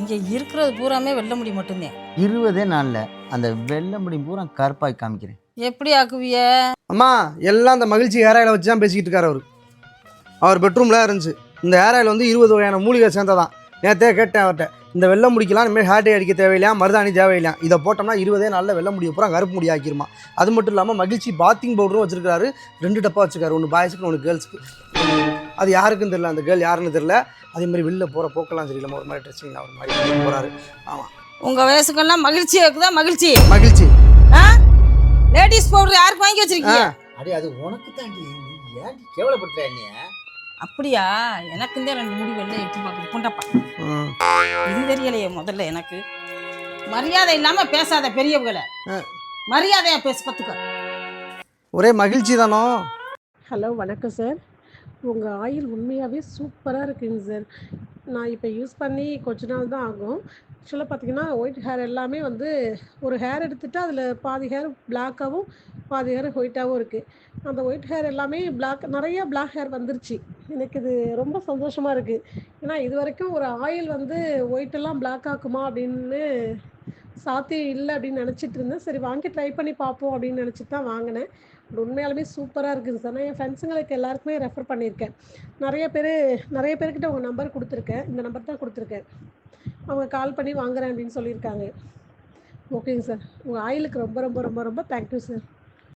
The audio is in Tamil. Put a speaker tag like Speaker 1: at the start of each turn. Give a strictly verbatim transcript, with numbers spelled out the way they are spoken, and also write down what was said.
Speaker 1: இங்கே இருக்கிறது பூராமே வெள்ள முடி மட்டும்தான்.
Speaker 2: இருபதே நாளில் அந்த வெள்ளை முடி பூரா கருப்பாய் காமிக்கிறேன்.
Speaker 1: எப்படி ஆக்குவிய?
Speaker 3: அம்மா எல்லாம் அந்த மகிழ்ச்சி ஹேர் ஆயிலை வச்சு தான் பேசிக்கிட்டு இருக்காரு அவர். அவர் பெட்ரூமில் இருந்துச்சு. இந்த ஹேர் ஆயில் வந்து இருபது வகையான மூலிகை சேர்ந்ததான். நேற்றே கேட்டேன் அவர்கிட்ட, இந்த வெள்ளை முடிக்கலாம் இனிமேல் ஹேர் டே அடிக்க தேவையில்லையா, மருதாணி தேவையில்லையா, இதை போட்டோம்னா இருபதே நாளில் வெள்ளை முடியை பூரா கருப்பு முடி ஆக்கிருமா. அது மட்டும் இல்லாமல் மகிழ்ச்சி பாத்திங் பவுடரும் வச்சிருக்காரு. ரெண்டு டப்பா வச்சுருக்காரு, ஒன்று பாய்ஸுக்கு ஒன்று கேர்ள்ஸுக்கு. அது யாருக்குன்னு தெரியல, அந்த கேர்ள் யாருன்னு தெரியல. அதே மாதிரி வெளில போகிற போக்கெல்லாம் சரியில்லாமல் ஒரு மாதிரி ட்ரெஸ்ஸிங் ஒரு மாதிரி போகிறாரு. ஆமாம்,
Speaker 1: உங்கள் வயசுக்கெல்லாம் மகிழ்ச்சி இருக்குதா? மகிழ்ச்சி
Speaker 3: மகிழ்ச்சி
Speaker 1: ஆ லேடிஸ் பவுடர் யாருக்கு வாங்கி வச்சிருக்கீங்க?
Speaker 2: அடே அது உனக்கு தாண்டி, நீ ஏன் கேவலப்படுத்துற நீ?
Speaker 1: அப்படியா? எனக்கு இந்த ரெண்டு முடி வெள்ளை எட்டி பார்க்குது. புண்டப்பா, இது தெரியலையே முதல்ல எனக்கு. மரியாதை இல்லாம பேசாத பெரியவங்களை, மரியாதையா பேச கத்துக்க.
Speaker 3: ஒரே மகிழ்ச்சி தானோ.
Speaker 4: ஹலோ, வணக்கம் சார். உங்கள் ஆயில் உண்மையாகவே சூப்பராக இருக்குங்க சார். நான் இப்போ யூஸ் பண்ணி கொஞ்ச நாள் தான் ஆகும். ஆக்சுவலாக பார்த்தீங்கன்னா ஒயிட் ஹேர் எல்லாமே வந்து ஒரு ஹேர் எடுத்துகிட்டு அதில் பாதி ஹேர் பிளாக்காகவும் பாதி ஹேர் ஒயிட்டாகவும் இருக்குது. அந்த ஒயிட் ஹேர் எல்லாமே பிளாக், நிறையா பிளாக் ஹேர் வந்துருச்சு. எனக்கு இது ரொம்ப சந்தோஷமாக இருக்குது. ஏன்னா இது வரைக்கும் ஒரு ஆயில் வந்து ஒயிட்டெல்லாம் பிளாக் ஆக்குமா அப்படின்னு சாத்தியம் இல்லை அப்படின்னு நினச்சிட்டு இருந்தேன். சரி வாங்கி ட்ரை பண்ணி பார்ப்போம் அப்படின்னு நினச்சிட்டு தான் வாங்கினேன். அது உண்மையாலுமே சூப்பராக இருக்குது சார். நான் என் ஃப்ரெண்ட்ஸுங்களுக்கு எல்லாருக்குமே ரெஃபர் பண்ணியிருக்கேன். நிறைய பேர் நிறைய பேர்கிட்ட உங்கள் நம்பர் கொடுத்துருக்கேன். இந்த நம்பர் தான் கொடுத்துருக்கேன். அவங்க கால் பண்ணி வாங்குறேன் அப்படின்னு சொல்லியிருக்காங்க. ஓகேங்க சார். உங்கள் ஆயிலுக்கு ரொம்ப ரொம்ப ரொம்ப ரொம்ப தேங்க்யூ சார்.